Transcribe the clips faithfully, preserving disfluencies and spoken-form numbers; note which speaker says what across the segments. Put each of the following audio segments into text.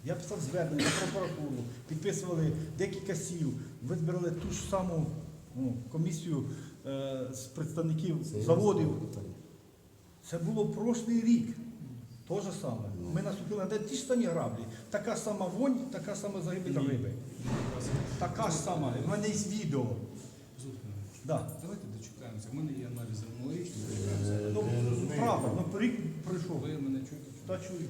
Speaker 1: Я писав звернення в прокуратуру, підписували декілька сіл, вибрали ту ж саму ну, комісію е, з представників заводів. Це було прошлий рік. Те ж саме. Ми наступили на ті ж самі граблі. Така сама вонь, така сама загибель риби. Така ж сама. У мене є відео. Да.
Speaker 2: Давайте дочекаємося. У мене є аналізи аналогічні.
Speaker 1: Ну, правда, ну рік пройшов.
Speaker 2: Ви мене чуєте?
Speaker 1: Та чую.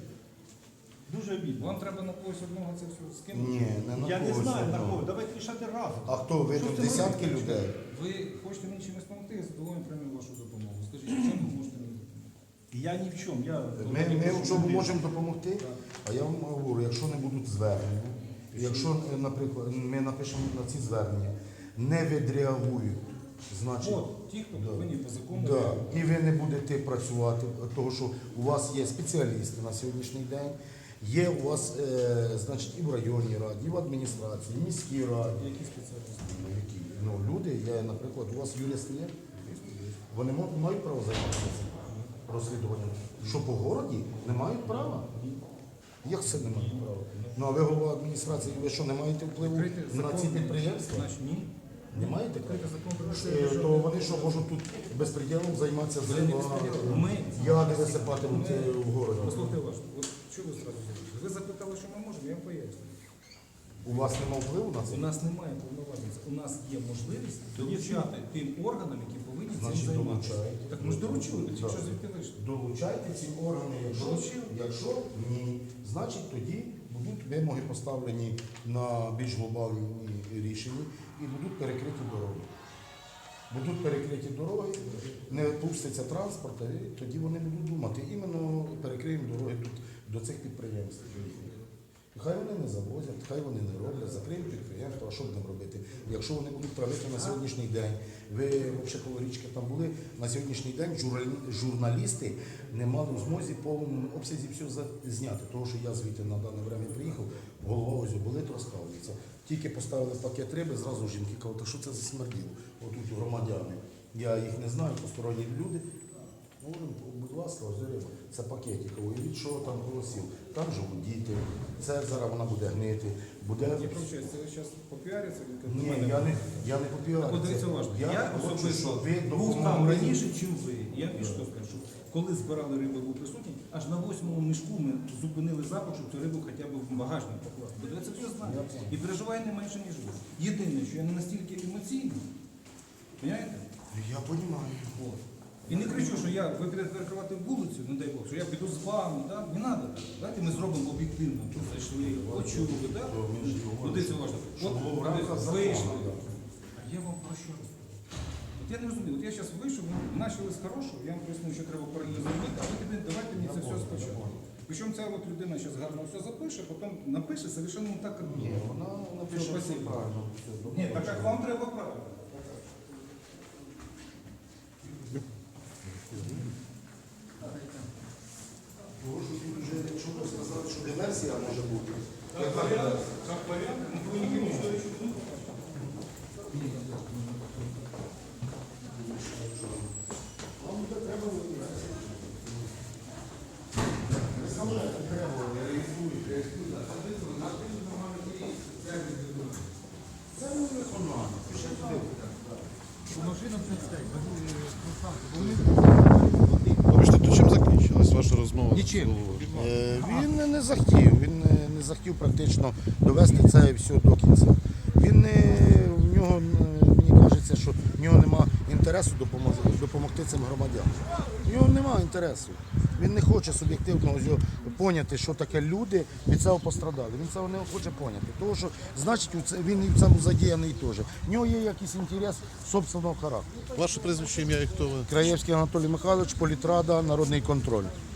Speaker 1: Дуже обідно.
Speaker 2: Вам треба на когось одного це все скинути?
Speaker 3: Ні, не на
Speaker 1: Я не
Speaker 3: когось
Speaker 1: знаю на
Speaker 3: одного.
Speaker 1: кого. Давайте рішати разом.
Speaker 3: А хто? Ви
Speaker 1: Що
Speaker 3: там
Speaker 1: це
Speaker 3: десятки
Speaker 1: робити?
Speaker 3: людей?
Speaker 2: Ви хочете мені чимось допомогти, я задоволений прийму вашу допомогу. Скажіть, в чому ви можете мені допомогти?
Speaker 1: Я ні в чому. Я...
Speaker 3: Ми, ми в чому можемо допомогти, а я вам говорю, якщо не будуть звернення, якщо, наприклад, ми напишемо на ці звернення, не відреагують, значить,
Speaker 2: От, ті, хто
Speaker 3: Да.
Speaker 2: повинні по закону.
Speaker 3: да, і ви не будете працювати, тому що у вас є спеціалісти на сьогоднішній день, є у вас, е, значить, і в районній раді, і в адміністрації, і в міській раді.
Speaker 2: Які спеціалісти?
Speaker 3: Ну, які? Ну, люди, я, наприклад, у вас юристи є? Вони мо- мають право займатися цим розслідуванням. Що по городі не мають права? Як це не мають права? Ну а ви голова адміністрації, ви що, не маєте впливу
Speaker 2: Відкрити
Speaker 3: на
Speaker 2: закон.
Speaker 3: ці підприємства?
Speaker 2: Значить, ні.
Speaker 3: Не маєте?
Speaker 2: Відкрити закон про
Speaker 3: Е,
Speaker 2: що
Speaker 3: То вони що, можуть тут безпреділом займатися з риба,
Speaker 2: Ми,
Speaker 3: яди висипатимуть е, в городі?
Speaker 2: послухайте уважно, от що ви зразу зробили? Ви запитали, що ми можемо, я вам поясню.
Speaker 3: У вас немає впливу на
Speaker 2: У
Speaker 3: це?
Speaker 2: нас немає повноважень, у нас є можливість долучати тим органам, які повинні цим
Speaker 3: Значить,
Speaker 2: займатися.
Speaker 3: долучаєте.
Speaker 2: Так ми ж доручили,
Speaker 3: Так.
Speaker 2: що звідки вийшли?
Speaker 3: Долучайте ці органи, якщо,
Speaker 2: Долучили.
Speaker 3: якщо ні, значить тоді будуть вимоги поставлені на більш глобальні рішення і будуть перекриті дороги. Будуть перекриті дороги, не пуститься транспорт, і тоді вони будуть думати, іменно перекриємо дороги тут до цих підприємств. І хай вони не завозять, хай вони не роблять, закриють підприємство, а що будемо робити? Якщо вони будуть правити на сьогоднішній день, ви взагалі коло річки там були, на сьогоднішній день журналі- журналісти не мали в змозі в повному обсязі все за- зняти. Тому що я звідти на дане время приїхав, голова ось болить, розкалується. Тільки поставили пакет риби, зразу жінки кажуть, та що це за смерділо? Отут громадяни. Я їх не знаю, посторонні люди. Говоримо, будь ласка, ось риба. Це пакетик. Уявіть, що там голосів. Там живуть діти, це зараз вона буде гнити. Буде...
Speaker 2: Я прощаюсь, це ви зараз попіариться?
Speaker 3: Ні, я не, я не попіарю.
Speaker 2: Так, от дивіться уважно.
Speaker 3: Я,
Speaker 2: Я
Speaker 3: хочу,
Speaker 2: особисто
Speaker 3: щоб ви
Speaker 2: був там
Speaker 3: допомогли.
Speaker 2: раніше, чим ви. Я більш того скажу, коли збирали рибу, був присутній, аж на восьмому мішку ми зупинили запах, щоб цю рибу хоча б в багажник покласти. Бо це все знаю. І переживаю не менше, ніж ви. Єдине, що я не настільки емоційний, розумієте?
Speaker 3: Я розумію.
Speaker 2: От. І не кричу, що я, ви підете перекривати вулицю, не дай Бог, що я піду з вами, да? Не треба так. Давайте ми зробимо об'єктивно, що зайшли, почули, да? Ну, дивіться уважно.
Speaker 3: Щоб було в
Speaker 2: От
Speaker 3: рамках
Speaker 2: ви
Speaker 3: закону,
Speaker 2: вийшли.
Speaker 3: да.
Speaker 2: А я вам про що розповідаю? От я не розумію, от я зараз вийшов, ми почали з хорошого, я вам поясню, що треба паралельно зробити, а ви тепер давайте мені це все спочатку. Причому ця от людина зараз гарно все запише, потім напише совершенно не так, як
Speaker 3: Ні,
Speaker 2: було.
Speaker 3: вона напише
Speaker 2: Що,
Speaker 3: все
Speaker 2: спасибо.
Speaker 3: правильно. все добре.
Speaker 2: Ні, так як вам треба правильно.
Speaker 3: Тому що тут вже, якщо ви сказали, що диверсія може бути.
Speaker 2: Как вариант, как вариант, ну вы не понимаете, что еще
Speaker 3: Вам буде треба виявляти. Ви саме треба, реєструєте. Це не виконання. Пишіть туди.
Speaker 4: Вибачте, то чим закінчилась ваша розмова?
Speaker 2: Нічим.
Speaker 4: з головою?
Speaker 3: Е, Він не захотів, він не- не захотів практично довести це все до кінця. Він не, в нього, е, мені кажеться, що в нього немає інтересу допомогти, допомогти цим громадянам. В нього немає інтересу. Він не хоче суб'єктивно ось його поняти, що таке люди від цього пострадали. Він цього не хоче поняти. Тому що, значить, у це- він і в цьому задіяний теж. В нього є якийсь інтерес собственного характеру.
Speaker 4: Ваше прізвище, ім'я і хто ви?
Speaker 3: Краєвський Анатолій Михайлович, політрада, народний контроль.